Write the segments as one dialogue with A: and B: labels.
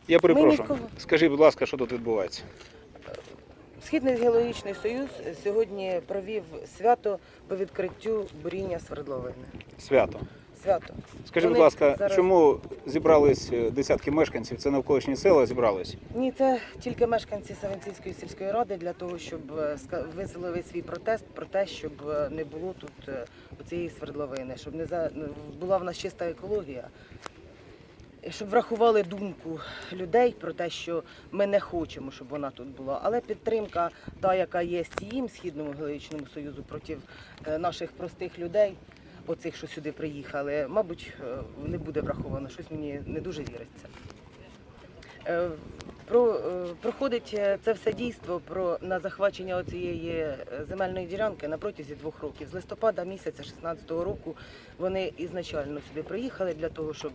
A: Я перепрошую.
B: нікого.
A: Скажіть, будь ласка, що тут відбувається?
B: Східний геологічний союз сьогодні провів свято по відкриттю буріння свердловини.
A: Свято.
B: Свято.
A: Скажіть, будь
B: Вони
A: ласка,
B: зараз-
A: чому зібрались десятки мешканців? Це навколишні села зібрались?
B: Ні, це тільки мешканці Савинцівської сільської ради для того, щоб висловили свій протест про те, щоб не було тут цієї свердловини, щоб була в нас чиста екологія. Щоб врахували думку людей про те, що ми не хочемо, щоб вона тут була. Але підтримка, та, яка є їм, Східному геологічному союзу, проти наших простих людей, оцих, що сюди приїхали, мабуть, не буде враховано. Щось мені не дуже віриться. Проходить це все дійство на захвачення цієї земельної ділянки на протязі 2 років. З листопада місяця 2016 року вони ізначально сюди приїхали для того, щоб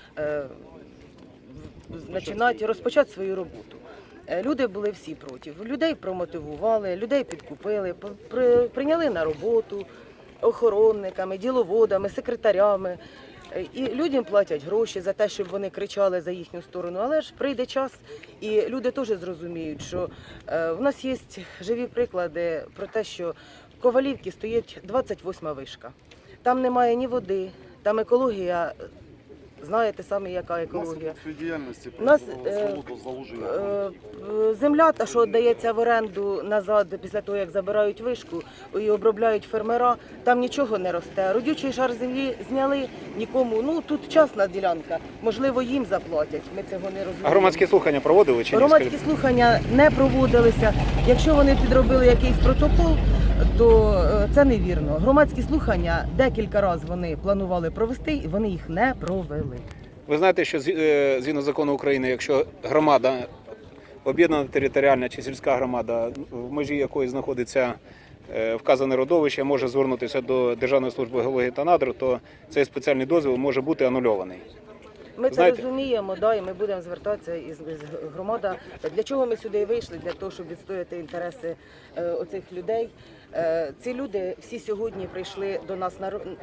B: розпочати свою роботу. Люди були всі проти. Людей промотивували, людей підкупили, прийняли на роботу охоронниками, діловодами, секретарями. І людям платять гроші за те, щоб вони кричали за їхню сторону. Але ж прийде час, і люди теж зрозуміють, що в нас є живі приклади про те, що в Ковалівці стоїть 28-ма вишка. Там немає ні води, там екологія, знаєте самі, яка екологія. У нас земля, та що віддається в оренду назад, після того, як забирають вишку і обробляють фермера, там нічого не росте. Родючий шар землі зняли нікому. Тут частна ділянка, можливо, їм заплатять, ми цього не розуміємо.
A: А громадські слухання проводили чи ні?
B: Громадські слухання не проводилися. Якщо вони підробили якийсь протокол, то це невірно. Громадські слухання декілька разів вони планували провести, і вони їх не провели.
A: Ви знаєте, що згідно закону України, якщо громада, об'єднана територіальна чи сільська громада, в межі якої знаходиться вказане родовище, може звернутися до Державної служби геології та надр, то цей спеціальний дозвіл може бути анульований.
B: Ми це
A: Знаєте,
B: розуміємо, і ми будемо звертатися із громада. Для чого ми сюди вийшли? Для того, щоб відстояти інтереси оцих людей. Ці люди всі сьогодні прийшли до нас,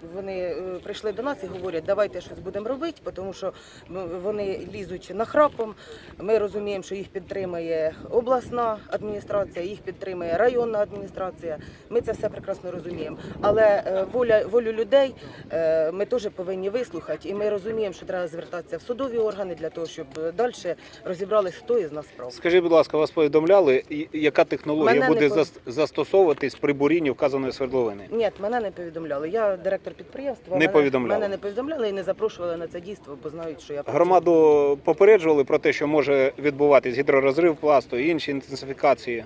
B: прийшли до нас і говорять, давайте щось будемо робити, тому що вони лізуть нахрапом. Ми розуміємо, що їх підтримує обласна адміністрація, їх підтримує районна адміністрація. Ми це все прекрасно розуміємо. Але волю людей ми теж повинні вислухати, і ми розуміємо, що треба звертатися в судові органи для того, щоб далі розібралися, хто із нас прав.
A: скажіть, будь ласка, вас повідомляли, яка технологія буде застосовуватись при бурінні вказаної свердловини?
B: Ні, мене не повідомляли. Я директор підприємства.
A: Не повідомляли?
B: Мене не повідомляли і не запрошували на це дійство, бо знають, що я працюю.
A: Громаду попереджували про те, що може відбуватись гідророзрив пласту і інші інтенсифікації?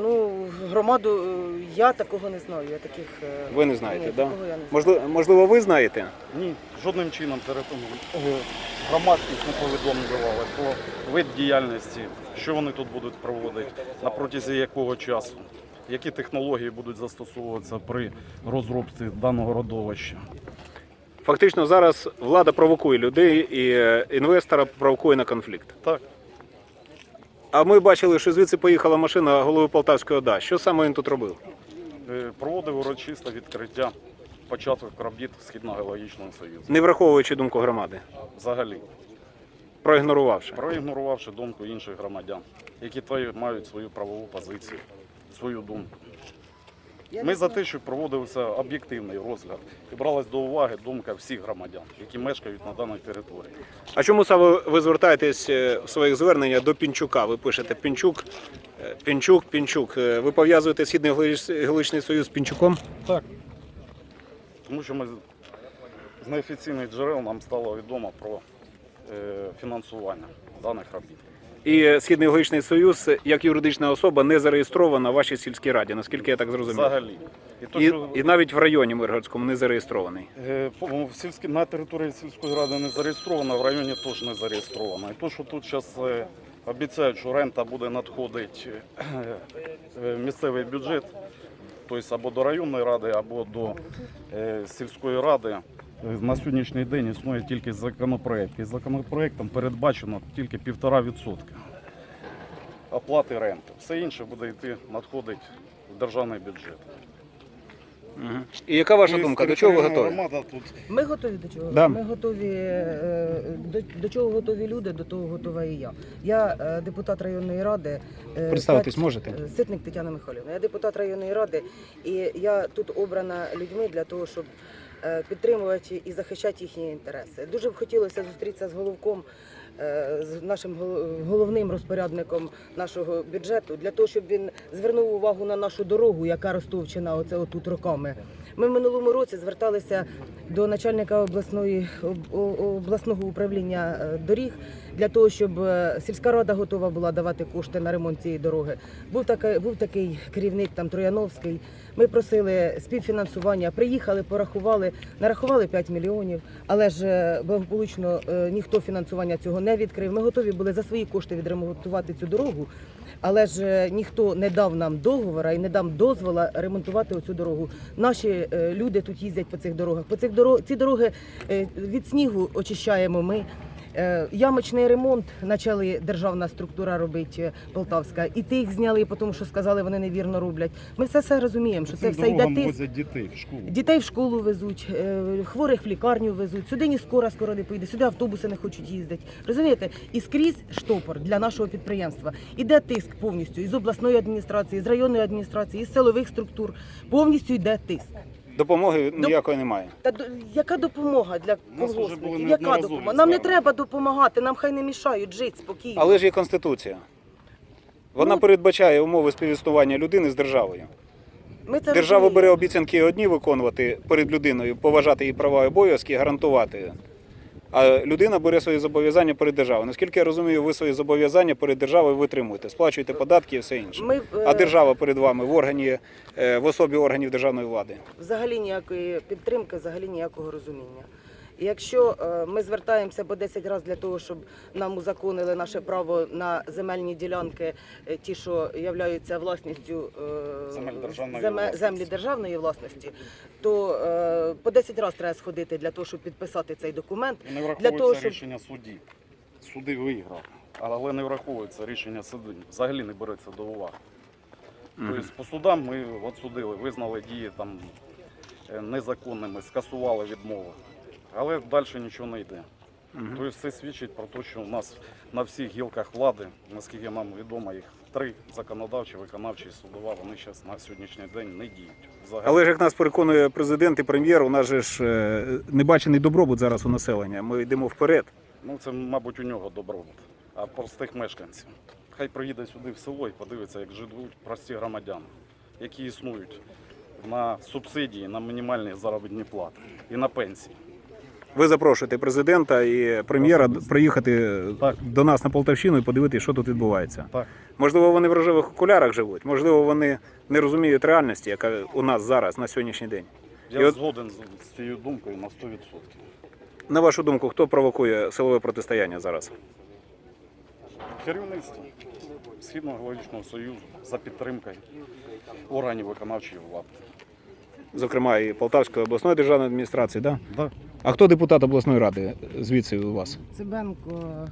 B: Громаду я такого не знаю.
A: Ви не знаєте,
B: ні,
A: так?
B: такого я не знаю.
A: Можливо, ви знаєте?
C: Ні, жодним чином громадськість не повідомлювали про вид діяльності, що вони тут будуть проводити, на протязі якого часу, які технології будуть застосовуватися при розробці даного родовища.
A: Фактично зараз влада провокує людей і інвестора провокує на конфлікт.
C: Так,
A: А ми бачили, що звідси поїхала машина голови Полтавської ОДА. Що саме він тут робив?
C: проводив урочисте відкриття початок робіт Східного геологічного союзу.
A: Не враховуючи думку громади,
C: Взагалі,
A: проігнорувавши.
C: думку інших громадян, які мають свою правову позицію, свою думку. Ми за те, щоб проводився об'єктивний розгляд і бралась до уваги думка всіх громадян, які мешкають на даній території.
A: А чому саме ви звертаєтесь в своїх зверненнях до Пінчука? Ви пишете Пінчук. Ви пов'язуєте Східний геологічний союз з Пінчуком?
C: Так. Тому що з неофіційних джерел нам стало відомо про фінансування даних робіт.
A: І Східний геологічний союз як юридична особа не зареєстрована в вашій сільській раді, наскільки я так зрозумів.
C: Взагалі.
A: І навіть в районі Миргородському не зареєстрований.
C: На території сільської ради не зареєстровано, в районі теж не зареєстровано. І то, що тут зараз обіцяють, що рента буде надходити в місцевий бюджет, тобто або до районної ради, або до сільської ради, на сьогоднішній день існує тільки законопроект. І законопроектом передбачено тільки 1,5% оплати ренти. Все інше буде надходити в державний бюджет.
A: І яка ваша
C: Тобто
A: думка? До чого ви
C: територіальна
A: готові?
C: громада тут
B: Ми готові до чого?
A: Да.
B: Ми готові до чого готові люди, до того готова і я. Я депутат районної ради.
A: Представитись можете?
B: Ситник Тетяна Михайлівна. Я депутат районної ради, і я тут обрана людьми для того, щоб підтримувати і захищати їхні інтереси. Дуже б хотілося зустрітися з головком, з нашим головним розпорядником нашого бюджету, для того, щоб він звернув увагу на нашу дорогу, яка розтовчена оце отут роками. Ми в минулому році зверталися до начальника обласного управління доріг для того, щоб сільська рада готова була давати кошти на ремонт цієї дороги. Був такий керівник там Трояновський. Ми просили співфінансування, приїхали, порахували, нарахували 5 мільйонів, але ж благополучно ніхто фінансування цього не відкрив. Ми готові були за свої кошти відремонтувати цю дорогу, але ж ніхто не дав нам договора і не дав дозволу ремонтувати оцю дорогу. Наші люди тут їздять по цих дорогах. Ці дороги від снігу очищаємо ми. Ямочний ремонт почали державна структура робити Полтавська, і тих зняли, тому що сказали, вони невірно роблять. Ми все розуміємо, що це все йде тиск.
C: возять дітей в школу.
B: Дітей в школу везуть, хворих в лікарню везуть, сюди ні скоро не поїде, сюди автобуси не хочуть їздити. Розумієте? І скрізь штопор для нашого підприємства. Іде тиск повністю із обласної адміністрації, з районної адміністрації, із силових структур. Повністю йде тиск.
A: Допомоги ніякої немає.
B: Яка допомога для
C: Нас вже були
B: колгоспників? Яка
C: неодноразові
B: допомога? Нам не
C: звернення.
B: треба допомагати, нам хай не мішають жити спокійно.
A: Але ж є Конституція. Вона передбачає умови співіснування людини з державою.
B: Ми це
A: Держава
B: розуміємо.
A: бере обіцянки одні виконувати перед людиною, поважати її права і обов'язки, гарантувати. А людина бере свої зобов'язання перед державою. Наскільки я розумію, ви свої зобов'язання перед державою витримуєте, сплачуєте податки і все інше. А держава перед вами в особі органів державної влади.
B: Взагалі ніякої підтримки, взагалі ніякого розуміння. І якщо ми звертаємося по 10 разів для того, щоб нам узаконили наше право на земельні ділянки, ті, що являються власністю землі державної власності, то по 10 разів треба сходити для того, щоб підписати цей документ.
C: І не
B: Для
C: враховується
B: того, щоб...
C: рішення судді. Суди виграв, але не враховується рішення суду. Взагалі не береться до уваги. Тобто по судам ми відсудили, визнали дії там незаконними, скасували відмову. Але далі нічого не йде. Тобто це свідчить про те, що у нас на всіх гілках влади, наскільки нам відомо, їх 3 законодавчі, виконавчі і судова, вони зараз на сьогоднішній день не діють. Взагалі.
A: Але ж як нас переконує президент і прем'єр, у нас же ж небачений добробут зараз у населення. Ми йдемо вперед.
C: Ну це, мабуть, у нього добробут, а простих мешканців. Хай приїде сюди в село і подивиться, як живуть прості громадяни, які існують на субсидії, на мінімальні заробітні плати і на пенсії.
A: Ви запрошуєте президента і прем'єра приїхати до нас на Полтавщину і подивитися, що тут відбувається.
C: Так.
A: Можливо, вони в рожевих окулярах живуть, можливо, вони не розуміють реальності, яка у нас зараз, на сьогоднішній день.
C: Я згоден з цією думкою на 100%.
A: На вашу думку, хто провокує силове протистояння зараз?
C: Керівництво Східного екологічного союзу за підтримкою органів виконавчої влади.
A: Зокрема, і Полтавської обласної державної адміністрації, так? Да?
C: Так.
A: А хто депутат обласної ради звідси у вас?
B: Цибенко.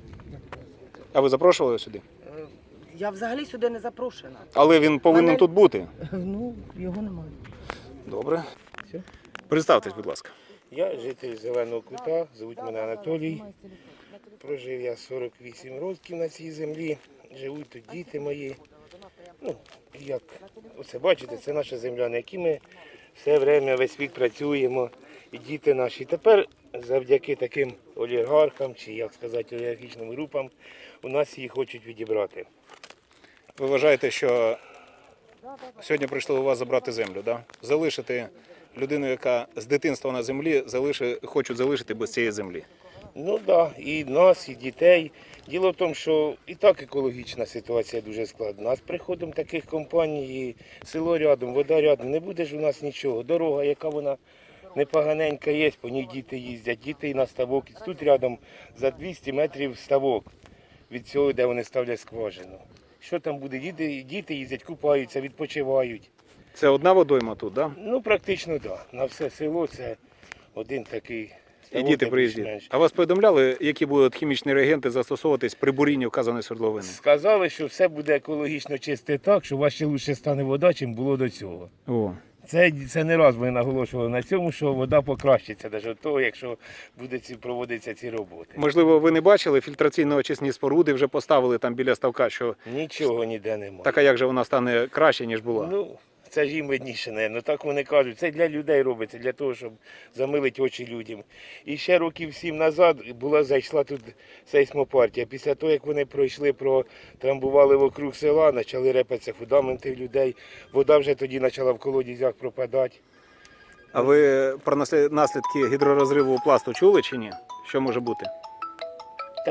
A: А ви запрошували його сюди?
B: Я взагалі сюди не запрошена.
A: Але він повинен тут бути.
B: Ну, його немає.
A: Добре. Представтесь, будь ласка.
D: Я житель Зеленого Кута, звуть мене Анатолій. Прожив я 48 років на цій землі. Живуть тут діти мої. Ну, як оце бачите, це наша земля, на якій ми все время, весь вік працюємо. І діти наші. Тепер завдяки таким олігархам, чи як сказати, олігархічним групам, у нас її хочуть відібрати.
A: Ви вважаєте, що сьогодні прийшли у вас забрати землю, да? Залишити людину, яка з дитинства на землі, хочуть залишити без цієї землі?
D: Ну так, да, і нас, і дітей. Діло в тому, що і так екологічна ситуація дуже складна. А з приходом таких компаній, і село рядом, вода рядом, не буде ж у нас нічого. Дорога, яка вона непоганенька є, по ній діти їздять, діти і на ставок. І тут рядом за 200 метрів ставок від цього, де вони ставлять скважину. Що там буде? Діти їздять, купаються, відпочивають.
A: Це одна водойма тут, так? Да?
D: Ну, практично так. Да. На все село це один такий.
A: І діти приїздять. А вас повідомляли, які будуть хімічні реагенти застосовуватись при бурінні вказаної свердловини?
D: Сказали, що все буде екологічно чисте так, що у вас ще лучше стане вода, чим було до цього.
A: О,
D: Це не раз ми наголошували на цьому, що вода покращиться навіть від того, якщо будуть проводитися ці роботи.
A: Можливо, ви не бачили, фільтраційно-очисні споруди вже поставили там біля ставка, що
D: Нічого ніде немає.
A: така як же вона стане краще, ніж була.
D: Ну, це ж їм видніше, не. Так вони кажуть, це для людей робиться, для того, щоб замилити очі людям. І ще років 7 назад зайшла тут сейсмопартія. Після того, як вони пройшли, протрамбували вокруг села, почали репатися фундаменти людей. Вода вже тоді почала в колодязях пропадати.
A: А ви про наслідки гідророзриву пласту чули чи ні? Що може бути?
D: Та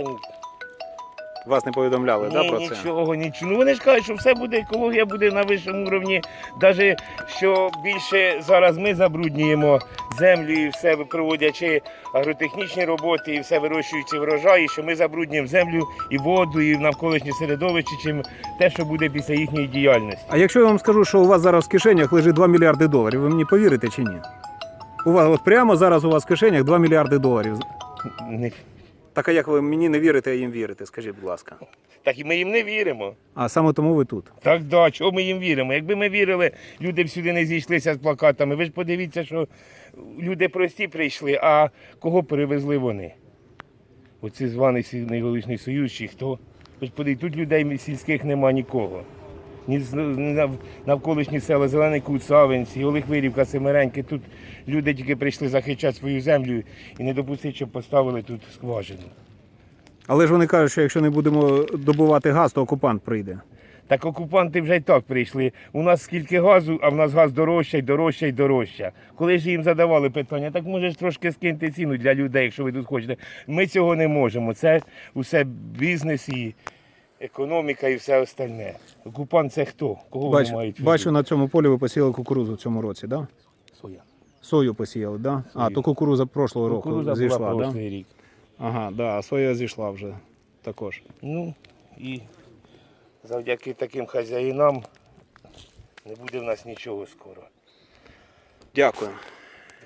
A: Вас не повідомляли, да, про це?
D: нічого. Ну вони ж кажуть, що все буде, екологія буде на вищому рівні. Навіть що більше зараз ми забруднюємо землю і все проводячи агротехнічні роботи, і все вирощуючи врожаї, що ми забруднюємо землю і воду, і навколишнє середовище, чим те, що буде після їхньої діяльності.
A: А якщо я вам скажу, що у вас зараз в кишенях лежить 2 мільярди доларів, ви мені повірите чи ні? У вас от прямо зараз у вас в кишенях 2 мільярди доларів.
D: Не-
A: Так а як ви мені не вірите, а їм вірите, скажіть, будь ласка.
D: Так і ми їм не віримо.
A: А саме тому ви тут.
D: Так, да, чого ми їм віримо? Якби ми вірили, люди б сюди не зійшлися з плакатами. Ви ж подивіться, що люди прості прийшли, а кого перевезли вони? Оці званий найголовніший союз чи хто? Ви ж подивіться, тут людей сільських нема нікого. Ні навколишні села Зелений Кут, Савинці, Олихвирівка, Семереньки. Тут люди тільки прийшли захищати свою землю і не допустити, щоб поставили тут скважину.
A: Але ж вони кажуть, що якщо не будемо добувати газ, то окупант прийде.
D: Так окупанти вже й так прийшли. У нас скільки газу, а в нас газ дорожча, дорожча і дорожча. Коли ж їм задавали питання, так може ж трошки скиньте ціну для людей, якщо ви тут хочете. Ми цього не можемо. Це усе бізнес і економіка і все остальне. Окупант це хто? Кого вони мають?
A: Бачу, на цьому полі ви посіяли кукурудзу в цьому році, так? Да?
D: Соя.
A: Сою посіяли, так? Да? А,
D: Сою.
A: то кукурудза прошлого року
D: Кукурудза
A: зійшла,
D: була
A: так? Да?
D: прошлий рік.
A: Ага, да, а соя зійшла вже також.
D: Ну і завдяки таким хазяїнам не буде в нас нічого скоро.
A: Дякую.